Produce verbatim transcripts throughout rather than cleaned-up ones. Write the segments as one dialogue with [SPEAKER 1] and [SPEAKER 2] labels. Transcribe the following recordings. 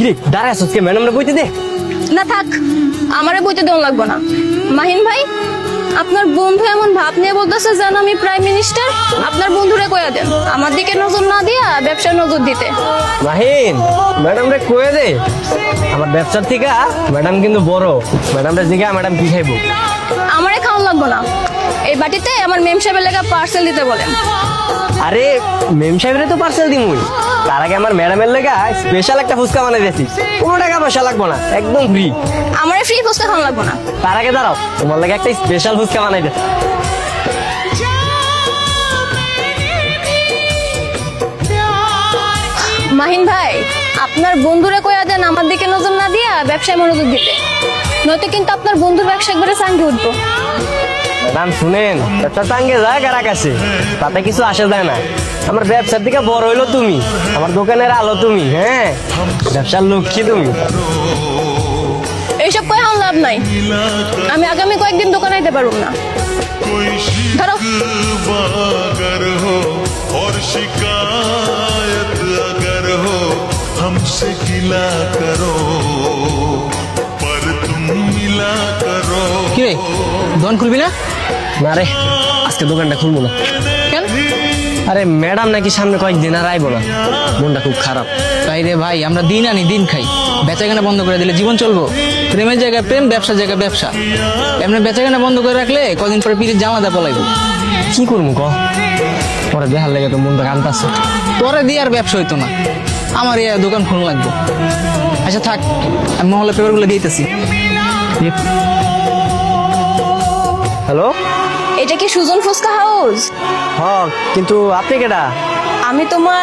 [SPEAKER 1] কি দাঁড়ায় আছিস কে ম্যাডামরে বইতে দে।
[SPEAKER 2] না থাক, আমারে বইতে দেওয়া লাগবো না। মাহিন ভাই, আপনার বন্ধু এমন ভাব নিয়ে বলতেছে যেন আমি প্রাইম মিনিস্টার। আপনার বন্ধুরে কইয়া দেন আমার দিকে নজর না দিয়া ব্যবসায় নজর দিতে।
[SPEAKER 1] মাহিন, ম্যাডামরে কয়ে দে আমার ব্যবসার থেকে ম্যাডাম কিন্তু বড়। ম্যাডামরে জিজ্ঞা ম্যাডাম কি খাইবো।
[SPEAKER 2] আমারে খাওয়ান লাগবো না, এই বাটিতে আমার মেম সাহেবের লেখা পার্সেল দিতে বলেন।
[SPEAKER 1] আরে মেম সাহেবের তো পার্সেল দিমুই, তার আগে আমার ম্যাডামের লেগা স্পেশাল একটা ফুচকা বানাই দিয়েছি, কোনো টাকা পয়সা লাগবো না, একদম ফ্রি।
[SPEAKER 2] আমারে ফ্রি ফুচকা খাওয়ান লাগবো না।
[SPEAKER 1] তার আগে দাঁড়াও, তোমার লাগে একটা স্পেশাল ফুচকা বানাই দিয়েছি।
[SPEAKER 2] মাহিন ভাই, আপনার বন্ধুরে কইয়া দেন আমার দিকে নজর না দিয়া ব্যবসায় মনোযোগ দিতে, নয়তো কিন্তু আপনার বন্ধুর ব্যবসা একবারে চাঙ্গে উঠবো।
[SPEAKER 1] ম্যাডাম শুনেন, ব্যবসা চাঙ্গে যায় কার কাছে, তাতে কিছু আসে যায় না। আমার ব্যবসার দিকে বড় হইলো তুমি, আমার দোকানের আলো তুমি, হ্যাঁ ব্যবসার লক্ষ্মী তুমি।
[SPEAKER 2] এইসব কয়ে আমার লাভ নাই, আমি আগামী কয়েকদিন দোকানে আইতে পারবো না। ধরো
[SPEAKER 3] अगर हो और शिकायत अगर हो हमसे गिला करो पर तुम मिला करो।
[SPEAKER 4] কি রে, দোকান খুলবি না?
[SPEAKER 1] না রে, আজকে দোকানটা খুলবো না।
[SPEAKER 4] কেন?
[SPEAKER 1] আরে ম্যাডাম নাকি সামনে কয়েকদিন আর আইবো না, মনটা খুব খারাপ।
[SPEAKER 4] তাই রে ভাই, আমরা দিন আনি দিন খাই, বেচাকেনা বন্ধ করে দিলে জীবন চলবো? প্রেমের জায়গায় প্রেম, ব্যবসার জায়গায় ব্যবসা। এমনি বেচাকেনা বন্ধ করে রাখলে কদিন পরে পিঠের জামাতে পলাইবো।
[SPEAKER 1] কি করবো ক, পরে দেখার লেগে তো মনটা কান্দাছে।
[SPEAKER 4] তোরে দিয়ে আর ব্যবসা হইতো না, আমার এই দোকান খুলন লাগবো। আচ্ছা থাক, আমি মহলে পেপারগুলো দিতেছি।
[SPEAKER 1] হ্যালো,
[SPEAKER 2] এটা কি সুজন ফুচকা হাউস?
[SPEAKER 1] হ কিন্তু আপনি কেডা?
[SPEAKER 2] আমি তোমার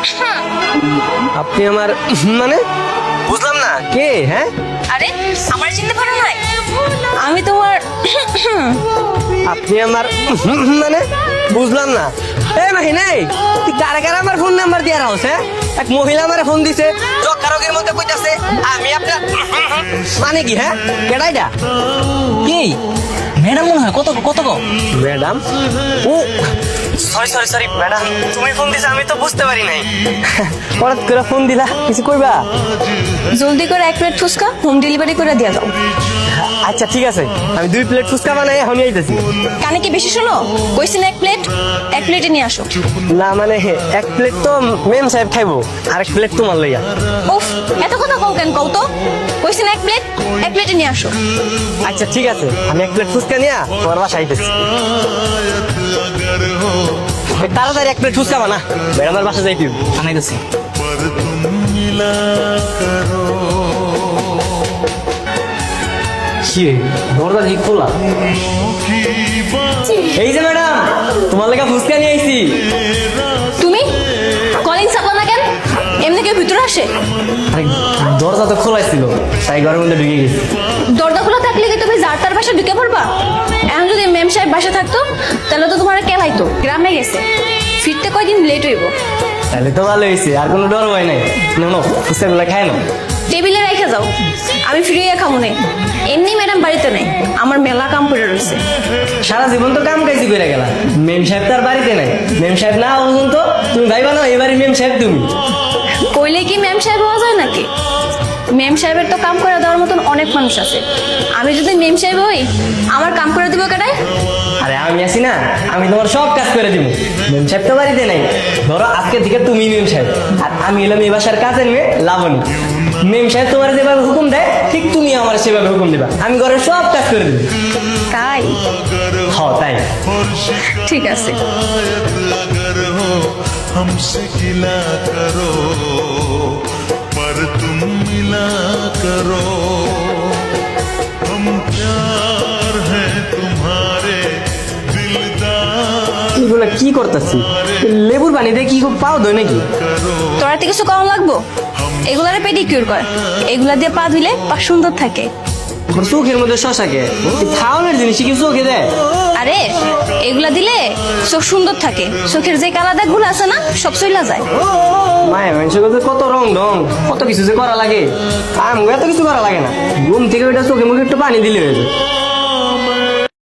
[SPEAKER 1] আপনি আমার মানে বুঝলাম না কে? হ্যাঁ
[SPEAKER 2] আরে আমার চিনতে পারো নাই? আমি তোমার
[SPEAKER 1] আপনি আমার মানে বুঝলাম না। এই মাহি নাই, তুই কারা কারা আমার ফোন নাম্বার দিয়ে রাখছ? হ্যাঁ, এক মহিলা আমার ফোন দিছে, জকারকের মধ্যে কইতাছে আমি আপনার মানে কি? হ্যাঁ কেডাইটা?
[SPEAKER 4] কি ম্যাডাম মনে হয়? কত কত কো
[SPEAKER 1] ম্যাডাম? ও সরি সরি সরি ম্যাডাম, তুমি ফোন দিছো আমি তো বুঝতে পারি নাই। হঠাৎ করে ফোন দিলা, কিছু কইবা?
[SPEAKER 2] জলদি করে এক প্লেট ফুচকা হোম ডেলিভারি করে দিয়ে দাও।
[SPEAKER 1] আচ্ছা ঠিক আছে, আমি দুই প্লেট ফুচকা বানাই এখনই আইতেছি।
[SPEAKER 2] কানে কি বেশি শোনো? কইছি না এক প্লেট, এক প্লেটে নিয়ে আসো।
[SPEAKER 1] না মানে এক প্লেট তো মেম সাহেব খাইবো, আর এক প্লেট তোমার লইয়া।
[SPEAKER 2] উফ, এত কথা কও কেন কও তো? কইছি না এক প্লেট, এক প্লেটে নিয়ে আসো।
[SPEAKER 1] আচ্ছা ঠিক আছে, আমি এক প্লেট ফুচকা নিয়ে তোমার বাসায় আইতেছি।
[SPEAKER 3] अगर हो
[SPEAKER 1] এই তাড়াতাড়ি এক প্লেট ফুচকা বানা, ম্যাডামের বাসা যাইতে হবে।
[SPEAKER 4] আনাইতেছি।
[SPEAKER 3] पर तुम मिला करो।
[SPEAKER 1] কি রে, দরজা ঠিক খোলা? এই যে ম্যাডাম, তোমার লেগে ফুচকা নিয়ে আইছি।
[SPEAKER 2] তুমি কলিং চাপলা না কেন? এমনি কেউ ভিতরে আসে?
[SPEAKER 1] আরে দরজা তো খোলাই ছিল, তাই ঘরের মধ্যে ঢুকে গেছি।
[SPEAKER 2] দরজা খোলা থাকলে কি তুমি যার তার বাসা ঢুকে পড়বা? এখন যদি মেম সাহেব বাসা থাকতো তাহলে তো তোমার কেলাইতো, গ্রামে গেছে, ফিরতে কয়দিন লেট হইব।
[SPEAKER 1] তাহলে তো ভালো হয়েছে, আর কোনো ডর ভয় নাই। না ফুচকাগুলো খায় না,
[SPEAKER 2] টেবিলে রেখে যাও, আমি ফিরে খাবো না। এমনি ম্যাডাম বাড়িতে নেই, আমার মেলা কাম করে রয়েছে।
[SPEAKER 1] সারা জীবন তো কাম কাজই করে গেলা, মেম সাহেব তার বাড়িতে নাই। মেম সাহেব না বুঝুন তো তুমি ভাইবা না এবারে মেম সাহেব তুমি।
[SPEAKER 2] কইলে কি মেম সাহেব হওয়া যায় নাকি? মেম সাহেবের তো কাম করে দেওয়ার মতন অনেক মানুষ আছে। আমি যদি মেম সাহেব হই, আমার কাম করে দিব কেটাই?
[SPEAKER 1] আরে আমি আছি না, আমি তোমার সব কাজ করে দিব। মেম সাহেব তো বাড়িতে নাই, ধরো আজকে থেকে তুমি মেম সাহেব, আর আমি এলাম এই বাসার কাজের মেয়ে লাবণী। মেম সাহেব তোমার যেভাবে হুকুম দেয় ঠিক তুমি আমার সেভাবে হুকুম দিবা, আমি ঘরের সব কাজ করে দিব।
[SPEAKER 2] তাই?
[SPEAKER 1] হ তাই।
[SPEAKER 3] और
[SPEAKER 2] ঠিক আছে।
[SPEAKER 3] शिकायत अगर हो हमसे गिला करो पर तुम मिला करो। हम प्यार हैं तुम्हारे दिलदार
[SPEAKER 1] এগুলো কি করতেছি? লেবুর পানি দিয়ে কি পাও দই নাকি?
[SPEAKER 2] তোরা তো কিছু কম লাগবো? এগুলারে পেডিকিউর কর, এগুলা দিয়ে পা ধুইলে পা সুন্দর থাকে।
[SPEAKER 1] ওর চোখের মধ্যে শশাকে খাওয়ানোর জিনিস কি চোখে দেয়?
[SPEAKER 2] আরে এগুলা দিলে চোখ সুন্দর থাকে, চোখের যে কালা দাগগুলো আছে না সব চইলা যায়।
[SPEAKER 1] মায়ের মানুষের কাছে কত রং ঢং, কত কিছু যে করা লাগে, আম এত কিছু করা লাগে না। ঘুম থেকে ওইটা চোখে মুখে একটু পানি দিলে হয়ে যায়।